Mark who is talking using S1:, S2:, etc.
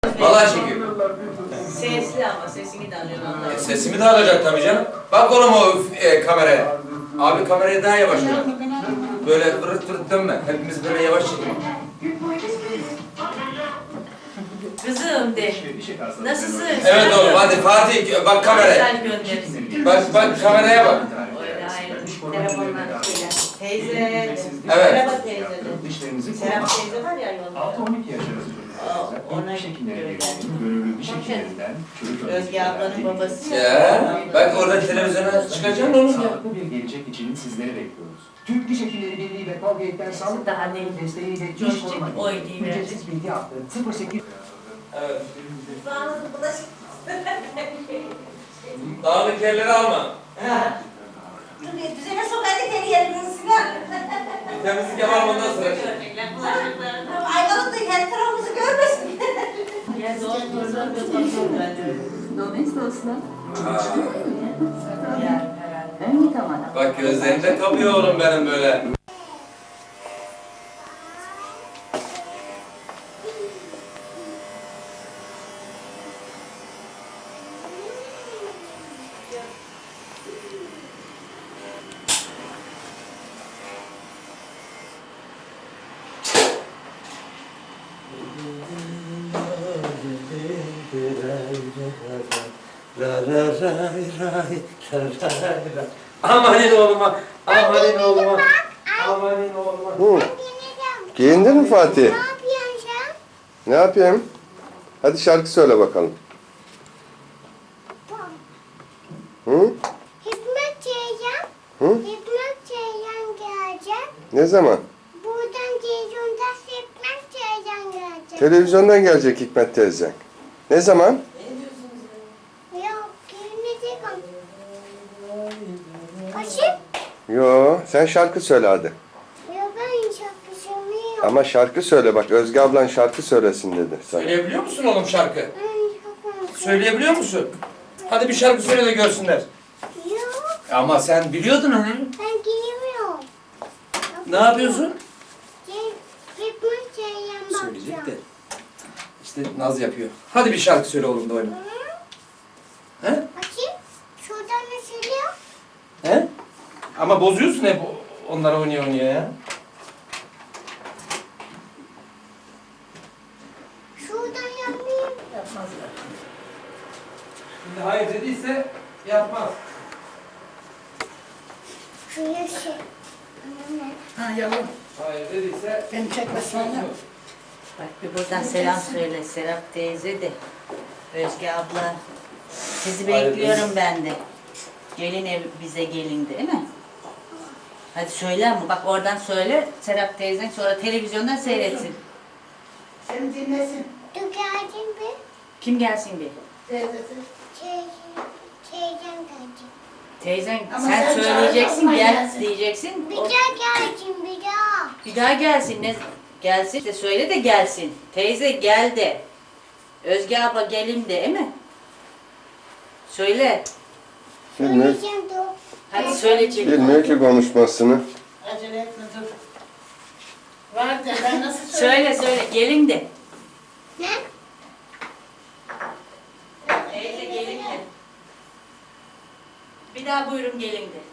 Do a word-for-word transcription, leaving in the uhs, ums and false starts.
S1: Vallahi çekiyor.
S2: Sesli ama sesini de alıyorsun ondan.
S1: E, sesimi de alacak tabii canım. Bak oğlum o e, kameraya. Abi kamerayı daha yavaş ver. Böyle fırıt fırıt dönme. Hepimiz böyle yavaş çekelim.
S2: Kızım de. Nasılsın?
S1: Evet oğlum hadi Fatih bak kameraya.
S2: Mesaj göndersin.
S1: Bak bak kameraya bak.
S2: Öyle hayır. Telefonlar. Teyze.
S1: Evet.
S2: Merhaba teyze. Serap teyze var ya yolda.
S3: altı on iki yaş arası çocuklar
S2: Ona
S3: ilk şekillere
S2: göre.
S3: geldiğinde gönüllü bir şekillerinden çocuk
S2: Özge ablanın babası.
S1: Ya bak orada televizyona çıkacaksın oğlum ya.
S3: sağlıklı bir gelecek için sizleri bekliyoruz. Türk Diş Hekimleri Birliği ve Colgate'den sağlık
S2: Daha
S3: daha
S2: değil.
S3: desteğiyle
S2: Çocuk
S3: diş korumak
S2: oy
S3: için
S2: diye
S3: ücretsiz bilgi hattı sıfır sekiz.
S1: Evet. Dağınık yerleri alma.
S4: Düzene sok hadi geri yerinin Sinan.
S1: Temizlik yapalım ondan sonra.
S4: Ayvalık da kendi tarafımızı görmesin.
S2: Ya zor zor zor zor
S5: Dolayısıyla
S1: Aa,
S2: Ya herhalde.
S5: ön yıkamada.
S1: bak gözlerinde kapıyor oğlum benim böyle. Amanin oğluma, amanin oğluma, amanin oğluma.
S6: Hı. Giyindin mi Fatih?
S4: Ne yapıyorsun sen?
S6: Ne yapayım? Hadi şarkı söyle bakalım. Hı?
S4: Hikmet Ceylan.
S6: Hı?
S4: Hikmet Ceylan gelecek.
S6: Ne zaman?
S4: Buradan televizyonda Hikmet Ceylan gelecek.
S6: Televizyondan gelecek Hikmet teyze. Ne zaman?
S4: Yok, gelmeyecek ama. Kaçıp?
S6: Yo, sen şarkı söyle hadi.
S4: Yok, ben şarkı söylemiyorum.
S6: Ama şarkı söyle bak, Özge ablan şarkı söylesin dedi sana.
S1: Söyleyebiliyor musun oğlum şarkı?
S4: Ben şarkı
S1: Söyleyebiliyor musun? Hadi bir şarkı söyle de görsünler.
S4: Yok,
S1: Ama sen biliyordun onu.
S4: ben giyemiyorum.
S1: Ne yapıyorsun?
S4: Hikmet Ceylan
S1: Söyleyecek de.
S4: bakacağım.
S1: İşte naz yapıyor. Hadi bir şarkı söyle oğlum da oyna. He?
S4: Bakayım, şuradan ne söylüyor?
S1: He? Ama bozuyorsun hep onlara oynaya oynaya ya.
S4: Şuradan yapmayayım.
S2: Yapmazlar.
S1: Şimdi hayır dediyse yapmaz.
S4: Şu yaşı. Anne.
S5: Ha yavrum,
S1: Hayır dediyse
S5: beni çekmesin ya.
S2: Bak bir buradan selam söyle Serap teyze de. Özge abla. Sizi
S1: Hayır,
S2: bekliyorum ben de. Gelin ev bize gelin değil mi? Hadi söyle ama bak oradan söyle Serap teyzen sonra televizyondan seyretsin.
S5: Seni dinlesin.
S4: Dur geldin bir.
S2: Kim gelsin bir?
S5: Teyzesi.
S4: Teyze, teyzem geldi.
S2: Teyzen
S5: Ama
S2: sen,
S5: sen
S2: söyleyeceksin
S5: çağırma,
S2: gel
S5: gelsin.
S2: diyeceksin.
S4: Bir
S2: O-
S4: daha geldin bir daha.
S2: bir daha gelsin ne gelsin işte söyle de gelsin. Teyze gel de. Özge abla gelin de değil mi? Söyle.
S6: Bilmiyor,
S4: Söyleyeceğim dur.
S2: Hadi söyle çek.
S6: bilmiyor ki konuşmasını.
S5: Acele etme dur. Var de ben nasıl söyleyeyim?
S2: Söyle söyle gelin de.
S4: Ne?
S2: Teyze gelin de. Bir daha buyurun gelin de.